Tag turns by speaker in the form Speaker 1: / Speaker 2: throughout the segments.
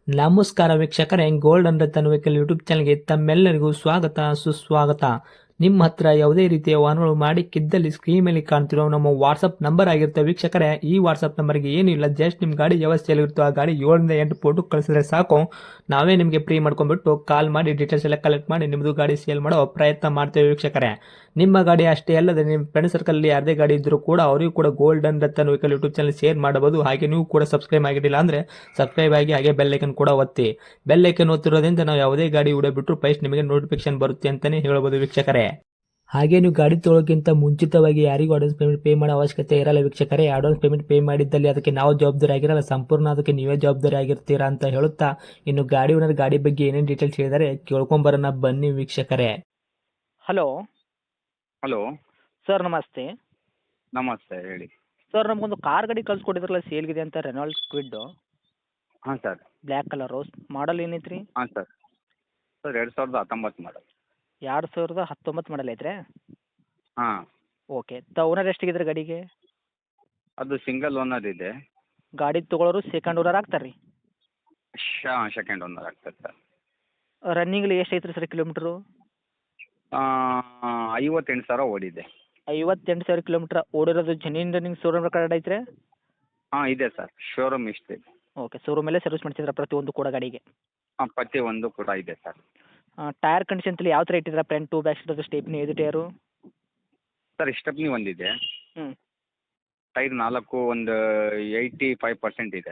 Speaker 1: ನಮಸ್ಕಾರ ವೀಕ್ಷಕರೇ, golden Ratan vehicle YouTube ಚಾನಲ್ಗೆ ತಮ್ಮೆಲ್ಲರಿಗೂ ಸ್ವಾಗತ ಸುಸ್ವಾಗತ. ನಿಮ್ಮ ಹತ್ರ ಯಾವುದೇ ರೀತಿಯ ವಾಹನಗಳು ಮಾಡಿಕ್ಕಿದ್ದಲ್ಲಿ ಸ್ಕ್ರೀನ್ ಮೇಲೆ ಕಾಣ್ತಿರೋ ನಮ್ಮ ವಾಟ್ಸಪ್ ನಂಬರ್ ಆಗಿರುತ್ತೆ ವೀಕ್ಷಕರೇ. ಈ ವಾಟ್ಸಪ್ ನಂಬರ್ಗೆ ಏನಿಲ್ಲ, ಜಸ್ಟ್ ನಿಮ್ಮ ಗಾಡಿ ವ್ಯವಸ್ಥೆಯಲ್ಲಿರುತ್ತೋ ಆ ಗಾಡಿ 7 ರಿಂದ 8 ಫೋಟೋ ಕಳಿಸಿದ್ರೆ ಸಾಕು, ನಾವೇ ನಿಮಗೆ ಫ್ರೀ ಮಾಡ್ಕೊಂಡ್ಬಿಟ್ಟು ಕಾಲ್ ಮಾಡಿ ಡೀಟೇಲ್ಸ್ ಎಲ್ಲ ಕಲೆಕ್ಟ್ ಮಾಡಿ ನಿಮ್ಮದು ಗಾಡಿ ಸೇಲ್ ಮಾಡೋ ಪ್ರಯತ್ನ ಮಾಡ್ತೇವೆ ವೀಕ್ಷಕರೇ. ನಿಮ್ಮ ಗಾಡಿ ಅಷ್ಟೇ ಅಲ್ಲದೆ ನಿಮ್ಮ ಫ್ರೆಂಡ್ ಸರ್ಕಲ್ ಯಾರದೇ ಗಾಡಿ ಇದ್ದರೂ ಕೂಡ ಅವರಿಗೂ ಕೂಡ golden Ratan vehicle YouTube channel share ಮಾಡಬಹುದು. ಹಾಗೆ ನೀವು ಕೂಡ ಸಬ್ಸ್ಕ್ರೈಬ್ ಆಗಿರಲಿಲ್ಲ ಅಂದರೆ ಸಬ್ಸ್ಕ್ರೈಬ್ ಆಗಿ ಹಾಗೆ ಬೆಲ್ ಐಕನ್ ಕೂಡ ಒತ್ತಿ. ಬೆಲ್ ಐಕನ್ ಒತ್ತಿರೋದ್ರಿಂದ ನಾವು ಯಾವುದೇ ಗಾಡಿ ವಿಡಿಯೋ ಬಿಟ್ಟರು ಫಸ್ಟ್ ನಿಮಗೆ ನೋಟಿಫಿಕೇಶನ್ ಬರುತ್ತೆ ಅಂತಲೇ ಹೇಳ್ಬೋದು ವೀಕ್ಷಕರೇ. ಹಾಗೆ ನೀವು ಗಾಡಿ ತೊಳೋಕ್ಕಿಂತ ಮುಂಚಿತವಾಗಿ ಯಾರಿಗೂ ಅಡ್ವಾನ್ಸ್ ಪೇಮೆಂಟ್ ಪೇ ಮಾಡೋ ಅವಶ್ಯಕತೆ ಇರಲ್ಲ ವೀಕ್ಷಕರೇ. ಅಡ್ವಾನ್ಸ್ ಪೇಮೆಂಟ್ ಪೇ ಮಾಡಿದ್ದಲ್ಲಿ ಅದಕ್ಕೆ ನಾವು ಜವಾಬ್ದಾರಿ ಆಗಿರಲ್ಲ, ಸಂಪೂರ್ಣ ಅದಕ್ಕೆ ನೀವೇ ಜವಾಬ್ದಾರಿ ಆಗಿರ್ತೀರಾ ಅಂತ ಹೇಳುತ್ತಾ, ಇನ್ನು ಗಾಡಿ ಓನರ್ ಗಾಡಿ ಬಗ್ಗೆ ಏನೇನು ಡೀಟೇಲ್ಸ್ ಹೇಳಿದರೆ ಕೇಳ್ಕೊಂಬರೋಣ ಬನ್ನಿ ವೀಕ್ಷಕರೇ.
Speaker 2: ಹಲೋ
Speaker 3: ಹಲೋ
Speaker 2: ಸರ್, ನಮಸ್ತೆ.
Speaker 3: ನಮಸ್ತೆ, ಹೇಳಿ.
Speaker 2: ಸರ್, ನಮಗೊಂದು ಕಾರ್ ಗಾಡಿ ಕಳ್ಸಿಕೊಟ್ಟಿದ್ರಲ್ಲ, ಸೇಲ್ಗಿದೆ ಅಂತ, ರೆನಾಲ್ಡ್ ಕ್ವಿಡ್ಡು,
Speaker 3: ಹಾಂ ಸರ್.
Speaker 2: Black colour. ಮಾಡಲ್ ಏನೈತ್ರಿ?
Speaker 3: ಹಾಂ ಸರ್. ಸರ್ 2019 ಮಾಡಲ್.
Speaker 2: 2019 ಮಾಡಲ್ ಐತ್ರಿ?
Speaker 3: ಹಾಂ.
Speaker 2: ಓಕೆ. ಓನರ್ ಎಷ್ಟಿಗಿದ್ರೆ ಗಾಡಿಗೆ?
Speaker 3: ಅದು ಸಿಂಗಲ್ ಓನರ್ ಇದೆ.
Speaker 2: ಗಾಡಿ ತೊಗೊಳೋರು ಸೆಕೆಂಡ್ ಓನರ್ ಆಗ್ತಾರೆ ರೀ?
Speaker 3: ಸೆಕೆಂಡ್ ಓನರ್ ಆಗ್ತದೆ ಸರ್.
Speaker 2: ರನ್ನಿಂಗ್ಲಿ ಎಷ್ಟು ಐತ್ರಿ ಸರ್ ಕಿಲೋಮೀಟ್ರು?
Speaker 3: 58,000 ಓಡಿದೆ.
Speaker 2: 58,000 ಕಿಲೋಮೀಟ್ರ್ ಓಡಿರೋದು. ಜೆನ್ಯೂನ್ ರನ್ನಿಂಗ್ ಶೋರೂಮ್ ರೆಕಾರ್ಡ್ ಐತ್ರಿ?
Speaker 3: ಹಾಂ ಇದೆ ಸರ್, ಶೋರೂಮ್ ಇಷ್ಟಿದೆ.
Speaker 2: ಓಕೆ. ಶೋರೂಮಲ್ಲೇ ಸರ್ವಿಸ್ ಮಾಡ್ತಿದ್ರ ಪ್ರತಿಯೊಂದು ಕೂಡ ಗಾಡಿಗೆ?
Speaker 3: ಹಾಂ, ಪ್ರತಿಯೊಂದು ಕೂಡ ಇದೆ ಸರ್.
Speaker 2: ಟೈರ್ ಕಂಡೀಷನ್ ಯಾವ ಥರ ಇಟ್ಟಿದ್ರ? Front to back side stepney ಇದು ಟೈರು?
Speaker 3: ಸರ್ ಸ್ಟೆಪ್ನಿ ಒಂದಿದೆ.
Speaker 2: ಹ್ಞೂ.
Speaker 3: ಟೈರ್ 4 ಒಂದು 85% ಇದೆ.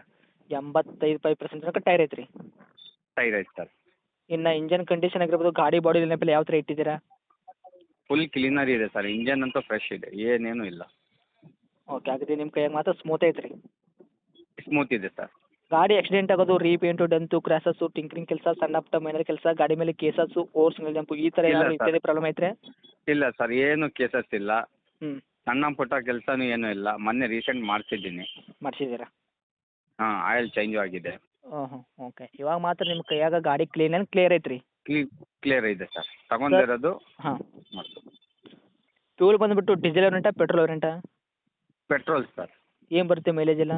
Speaker 2: 85% ತನಕ ಟೈರ್ ಐತ್ರಿ?
Speaker 3: ಟೈರ್ ಐತೆ ಸರ್.
Speaker 2: ಇನ್ನು ಇಂಜನ್ ಕಂಡೀಷನ್ ಆಗಿರ್ಬೋದು, ಗಾಡಿ ಬಾಡಿ ನೆನಪಲ್ಲಿ ಯಾವ ಥರ ಇಟ್ಟಿದ್ದೀರಾ?
Speaker 3: ಫುಲ್ ಕ್ಲೀನರ್ ಇದೆ ಸರ್. ಇಂಜನ್ ಅಂತೂ ಫ್ರೆಶ್ ಇದೆ, ಏನೇನು ಇಲ್ಲ.
Speaker 2: ಓಕೆ. ಹಾಗಾದ್ರೆ ನಿಮ್ಮ ಕೈಯಾಗ ಮಾತ್ರ ಸ್ಮೂತ್ ಐತ್ರಿ?
Speaker 3: ಸ್ಮೂತ್ ಇದೆ ಸರ್.
Speaker 2: ಗಾಡಿ ಆಕ್ಸಿಡೆಂಟ್ ಆಗೋದು, ರೀಪೇಂಟು, ಡೆಂತು, ಕ್ರ್ಯಾಸಸ್ಸು, ಟಿಂಕ್ರಿಂಗ್ ಕೆಲಸ, ಸಣ್ಣ ಪುಟ್ಟ ಮೈನರ್ ಕೆಲಸ, ಗಾಡಿ ಮೇಲೆ ಕೇಸಸ್ಸು, ಓವರ್ ಸಿಂಗಲ್ ಜಂಪು, ಈ ಥರ
Speaker 3: ಇಲ್ಲ
Speaker 2: ಏನಾದರೂ
Speaker 3: ಸರ್.
Speaker 2: ಇತ್ಯಾದಿ ಪ್ರಾಬ್ಲಮ್ ಐತ್ರಿ?
Speaker 3: ಇಲ್ಲ ಸರ್, ಏನು ಕೇಸಸ್ ಇಲ್ಲ.
Speaker 2: ಹ್ಞೂ.
Speaker 3: ಸಣ್ಣ ಪುಟ್ಟ ಕೆಲಸನೂ ಏನೂ ಇಲ್ಲ. ಮೊನ್ನೆ ರೀಸೆಂಟ್ ಮಾಡಿಸಿದ್ದೀನಿ.
Speaker 2: ಮಾಡಿಸಿದ್ದೀರಾ?
Speaker 3: ಹಾಂ, ಆಯಿಲ್ ಚೇಂಜು ಆಗಿದೆ.
Speaker 2: ಹ್ಞೂ. ಓಕೆ. ಇವಾಗ ಮಾತ್ರ ನಿಮ್ಮ ಕೈಯಾಗ ಗಾಡಿ ಕ್ಲೀನ್ ಆ್ಯಂಡ್ ಕ್ಲಿಯರ್ ಐತ್ರಿ?
Speaker 3: ಕ್ಲಿಯರ್ ಇದೆ ಸರ್. ತಗೊಂಡಿರೋದು
Speaker 2: ಹಾಂ.
Speaker 3: ಮತ್ತು
Speaker 2: ಫ್ಯೂಲ್ ಬಂದುಬಿಟ್ಟು ಡೀಸೆಲ್ ವೇರಿಯಂಟಾ ಪೆಟ್ರೋಲ್ ವೇರಿಯಂಟಾ?
Speaker 3: Petrol sir.
Speaker 2: ಏನು ಬರುತ್ತೆ ಮೈಲೇಜ್ ಎಲ್ಲ?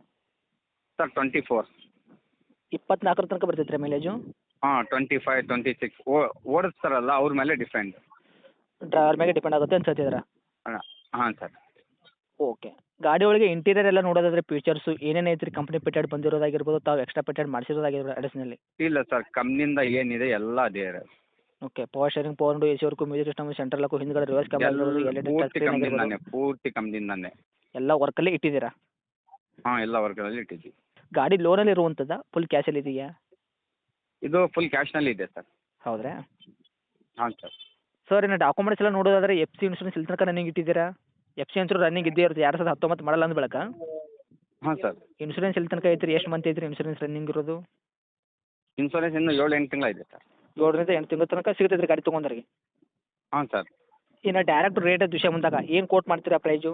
Speaker 3: ಸರ್ 24.
Speaker 2: 24 ತನಕ ಬರ್ತೈತೆ ರೀ ಮೈಲೇಜು?
Speaker 3: ಹಾಂ, 25, 26 ಓಡಿಸ್ತಾರಲ್ಲ ಅವ್ರ ಮೇಲೆ ಡಿಪೆಂಡ್.
Speaker 2: ಡ್ರೈವರ್ ಮೇಲೆ ಡಿಪೆಂಡ್ ಆಗುತ್ತೆ ಅನ್ಸತ್ತಿದ್ದೀರಾ?
Speaker 3: ಹಾಂ ಸರ್.
Speaker 2: ಓಕೆ. ಗಾಡಿ ಒಳಗೆ ಇಂಟೀರಿಯರ್ ಎಲ್ಲ ನೋಡೋದಾದ್ರೆ ಫೀಚರ್ಸು ಏನೇನು ಐತ್ರಿ? ಕಂಪ್ನಿ ಪೆಟೆಡ್ ಬಂದಿರೋದಾಗಿರ್ಬೋದು, ತಾವು ಎಕ್ಸ್ಟ್ರಾ ಪೆಟೆಡ್ ಮಾಡಿಸಿರೋದಾಗಿರ್ಬೋದು ಅಡಿಷನಲಿ?
Speaker 3: ಇಲ್ಲ ಸರ್, ಕಂಪ್ನಿಯಿಂದ ಏನಿದೆ ಎಲ್ಲ ಅದೇ ಇರೋದು.
Speaker 2: Okay. Power steering, power window, A C work, music system, central lock, ಹಿಂದ್ಗಡೆ ರಿವರ್ಸ್ ಕ್ಯಾಮರಾ ಇರ್ಬೋದು, ಎಲ್ ಇ ಡಿ ಟಚ್
Speaker 3: ಪೂರ್ತಿ
Speaker 2: ಸ್ಕ್ರೀನ್ ಆಗಿರ್ಬೋದು,
Speaker 3: ಕಂಪ್ನಿಯಿಂದಾನೆ, ಪೂರ್ತಿ ಕಂಪ್ನಿಯಿಂದಾನೆ.
Speaker 2: ಎಲ್ಲ ವರ್ಕಲ್ಲೇ ಇಟ್ಟಿದ್ದೀರಾ?
Speaker 3: ಹಾಂ, ಎಲ್ಲ ವರ್ಗದಲ್ಲಿ ಇಟ್ಟಿದ್ದೀವಿ.
Speaker 2: ಗಾಡಿ ಲೋನಲ್ಲಿ ಇರುವಂಥದ್ದಾ ಫುಲ್ ಕ್ಯಾಶಲ್ಲಿ ಇದೆಯಾ?
Speaker 3: ಇದು ಫುಲ್ ಕ್ಯಾಶ್ನಲ್ಲಿ ಇದೆ ಸರ್.
Speaker 2: ಹೌದ್ರಾ?
Speaker 3: ಹಾಂ ಸರ್.
Speaker 2: ಸರ್, ಇನ್ನು ಡಾಕ್ಯುಮೆಂಟ್ಸ್ ಎಲ್ಲ ನೋಡೋದಾದ್ರೆ ಎಫ್ ಸಿ ಇನ್ಶೂರೆನ್ಸ್ ಇಲ್ಲಿ ತನಕ ರನ್ನಿಂಗ್ ಇಟ್ಟಿದ್ದೀರಾ? ಎಫ್ ಸಿ ಇನ್ಶೂರೆನ್ಸ್ ರನ್ನಿಂಗ್ ಇದ್ದೇ ಇರುತ್ತೆ. 2019 ಮಾಡಲ್ಲ ಅಂದ ಬಳಿಕ
Speaker 3: ಹಾಂ ಸರ್.
Speaker 2: ಇನ್ಶೂರೆನ್ಸ್ ಇಲ್ಲಿ ತನಕ ಐತ್ರಿ? ಎಷ್ಟು ಮಂತ್ ಐತ್ರಿ ಇನ್ಶೂರೆನ್ಸ್ ರನ್ನಿಂಗ್ ಇರೋದು?
Speaker 3: ಇನ್ಸೂರೆನ್ಸ್ ಇನ್ನೂ 7-8 ತಿಂಗಳು ಇದೆ ಸರ್.
Speaker 2: 7ರಿಂದ 8 ತಿಂಗಳ ತನಕ ಸಿಗ್ತೈತೆ ರೀ ಗಾಡಿ ತೊಗೊಂಡ್ರಿಗೆ?
Speaker 3: ಹಾಂ ಸರ್.
Speaker 2: ಇನ್ನು ಡೈರೆಕ್ಟ್ ರೇಟ್ ವಿಷಯ ಬಂದಾಗ ಏನು ಕೋಟ್ ಮಾಡ್ತೀರಾ ಪ್ರೈಜು?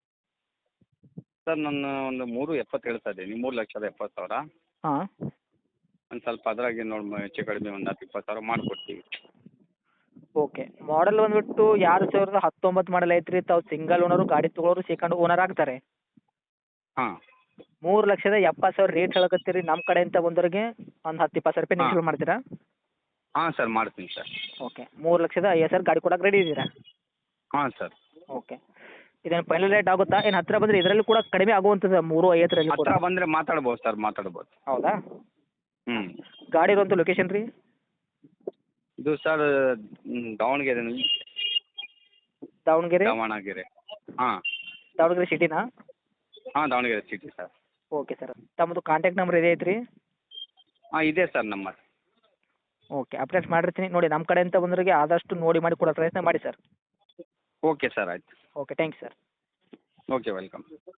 Speaker 3: ಸರ್ ನಾನು ಒಂದು 3.70 ಹೇಳ್ತಾ ಇದ್ದೀನಿ. 3,70,000.
Speaker 2: ಹಾಂ.
Speaker 3: ಒಂದು ಸ್ವಲ್ಪ ಅದ್ರಾಗೆ ನೋಡಿ ಹೆಚ್ಚು ಕಡಿಮೆ ಒಂದು 10-20,000 ಮಾಡಿಕೊಡ್ತೀವಿ.
Speaker 2: ಓಕೆ. ಮಾಡಲ್ ಬಂದುಬಿಟ್ಟು 2019 ಮಾಡಲ್ ಐತ್ರಿ. ತಾವು ಸಿಂಗಲ್ ಓನರು, ಗಾಡಿ ತೊಗೊಳೋರು ಸೆಕೆಂಡ್ ಓನರ್ ಆಗ್ತಾರೆ.
Speaker 3: ಹಾಂ.
Speaker 2: 3,70,000 ರೇಟ್ ಹೇಳಕತ್ತೀರಿ. ನಮ್ಮ ಕಡೆಯಿಂದ ಬಂದವ್ರಿಗೆ ಒಂದು 10-20 ರೂಪಾಯಿ ನೆಗೆಟಿವ್ ಮಾಡ್ತೀರಾ?
Speaker 3: ಹಾಂ ಸರ್, ಮಾಡ್ತೀನಿ ಸರ್.
Speaker 2: ಓಕೆ. 3,50,000 ಗಾಡಿ ಕೊಡಕ್ಕೆ ರೆಡಿ ಇದ್ದೀರಾ?
Speaker 3: ಹಾಂ ಸರ್.
Speaker 2: ಓಕೆ. ಇದೇನು ಫೈನಲ್ ರೇಟ್ ಆಗುತ್ತಾ? ಏನು ಹತ್ತಿರ ಬಂದರೆ ಇದರಲ್ಲಿ ಕೂಡ ಕಡಿಮೆ ಆಗುವಂಥದ್ದು 3,50,000 ಕೂಡ?
Speaker 3: ಹತ್ರ ಬಂದರೆ ಮಾತಾಡ್ಬೋದು ಸರ್, ಮಾತಾಡ್ಬೋದು.
Speaker 2: ಹೌದಾ?
Speaker 3: ಹ್ಞೂ.
Speaker 2: ಗಾಡಿ ಇರುವಂಥ ಲೊಕೇಶನ್ ರೀ?
Speaker 3: ಇದು ಸರ್ ದಾವಣಗೆರೆನಲ್ಲಿ.
Speaker 2: ದಾವಣಗೆರೆ?
Speaker 3: ದಾವಣಗೆರೆ. ಹಾಂ.
Speaker 2: ದಾವಣಗೆರೆ ಸಿಟಿನಾ?
Speaker 3: ಹಾಂ, Davanagere city sir.
Speaker 2: Okay sir. ತಮ್ಮದು ಕಾಂಟ್ಯಾಕ್ಟ್ ನಂಬರ್ ಇದೆ ಐತ್ರಿ?
Speaker 3: ಹಾಂ, ಇದೆ ಸರ್ ನಂಬರ್.
Speaker 2: ಓಕೆ. ಅಪ್ಡೇಟ್ ಮಾಡಿರ್ತೀನಿ ನೋಡಿ. ನಮ್ಮ ಕಡೆಯಿಂದ ಬಂದವರಿಗೆ ಆದಷ್ಟು ನೋಡಿ ಮಾಡಿ ಕೊಡೋ ಪ್ರಯತ್ನ ಮಾಡಿ ಸರ್.
Speaker 3: ಓಕೆ ಸರ್, ಆಯ್ತು.
Speaker 2: Okay. Thank you sir.
Speaker 3: Okay, welcome.